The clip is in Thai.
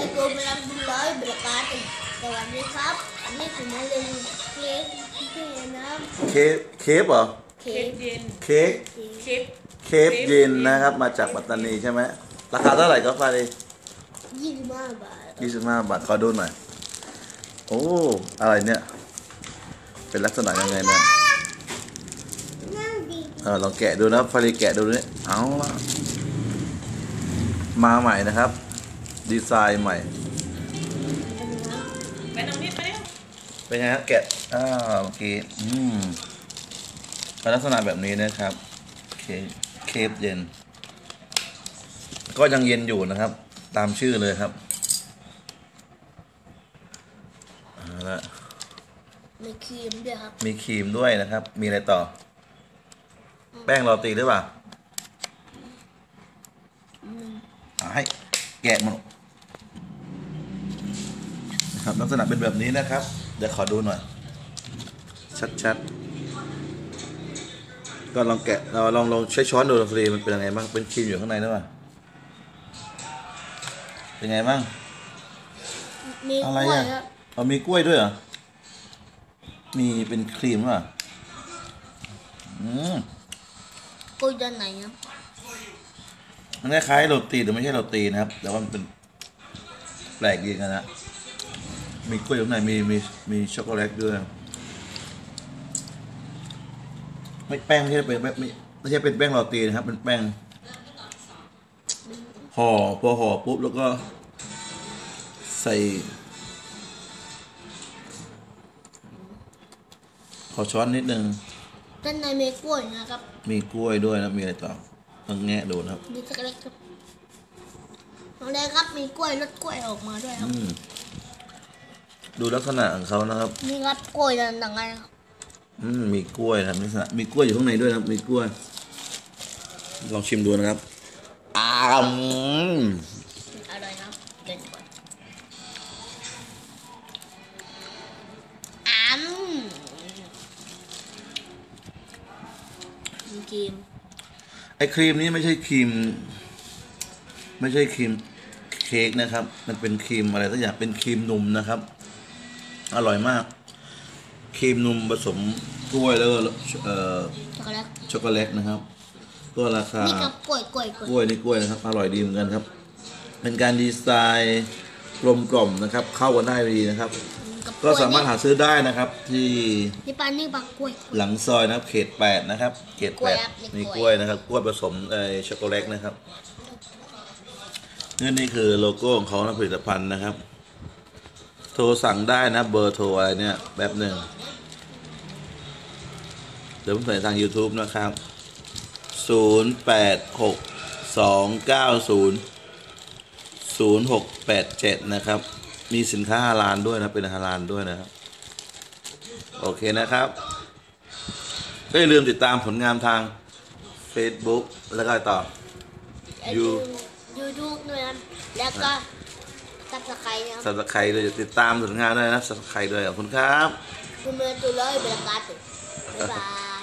Assalamualaikum warahmatullahi wabarakatuh สวัสดีครับอันนี้ผมมาเรียนเค้กที่น้ำเคฟเหรอเค้กเย็นเค้กเย็นนะครับมาจากปัตตานีใช่ไหมราคาเท่าไหร่ก็ฟาดี25 บาทขอดูหน่อยโอ้อะไรเนี่ยเป็นลักษณะยังไงเนี่ยลองแกะดูนะฟาดีแกะดูนี่เอาละมาใหม่นะครับดีไซน์ใหม่ไปน้องนิดไปเร็วเป็นไงครับแกะเมื่อกี้เป็นลักษณะแบบนี้นะครับเคฟเย็นก็ยังเย็นอยู่นะครับตามชื่อเลยครับแล้วมีครีมด้วยครับมีครีมด้วยนะครับมีอะไรต่อแป้งโรตีหรือเปล่าให้แกะมันนะครับลักษณะเป็นแบบนี้นะครับเดี๋ยวขอดูหน่อยชัดๆก็ลองแกะเราลองใช้ช้อนดูฟรีมันเป็นยังไงบ้างเป็นครีมอยู่ข้างในหรือเปล่าเป็นไงบ้างมีอะไรอ่ะมีกล้วยด้วยเหรอมีเป็นครีมป่ะกล้วยด้านไหนครับมันคล้ายๆโรตีแต่ไม่ใช่โรตีนะครับแต่ว่ามันเป็นแปลกดีกันนะมีกล้วยข้างในมีช็อกโกแลตด้วยไม่แป้งไม่ใช่เป็นไม่ใช่เป็นแป้งโรตีนะครับเป็นแป้งห่อพอห่อปุ๊บแล้วก็ใส่ขอช้อนนิดนึงด้านในมีกล้วยนะครับมีกล้วยด้วยนะมีอะไรต่อต้องแงะดูนะครับมีช็อกโกแลตครับตรงนี้ครับมีกล้วยรสกล้วยออกมาด้วยครับดูลักษณะของเขานะครับนี่ครับกล้วยต่างๆครับมีกล้วยนะลักษณะมีกล้วยอยู่ข้างในด้วยนะครับมีกล้วยลองชิมดูนะครับอร่อยครับเด็ดกว่าครีมไอ้ครีมนี้ไม่ใช่ครีมเค้กนะครับมันเป็นครีมอะไรสักอย่างเป็นครีมนมนะครับอร่อยมากครีมนมผสมกล้วยแล้วก็ช็อกโกแลตนะครับก็ราคานี่กับกล้วยนี่กล้วยนะครับอร่อยดีเหมือนกันครับเป็นการดีไซน์กลมกล่อมนะครับเข้ากันได้ดีนะครับก็สามารถหาซื้อได้นะครับที่นี่ปักกล้วยหลังซอยนะครับเขต8นะครับเขต8มีกล้วยนะครับกล้วยผสมช็อกโกแลตนะครับนี่คือโลโก้ของเขานะผลิตภัณฑ์นะครับโทรสั่งได้นะเบอร์โทรอะไรเนี่ยแบบหนึ่งเดี๋ยวผมใส่ทาง YouTube นะครับ0862900687นะครับมีสินค้าฮาลาลด้วยนะเป็นฮาลาลด้วยนะครับโอเคนะครับก็อย่าลืมติดตามผลงานทาง Facebook แล้วก็ต่อ YouTube ด้วยนะแล้วก็Subscribe นะ Subscribe ด้วยติดตามผลงานด้วยนะSubscribeด้วยขอบคุณครับคุณเมย์ตัวเลยเบลกาตุบ๊ายบาย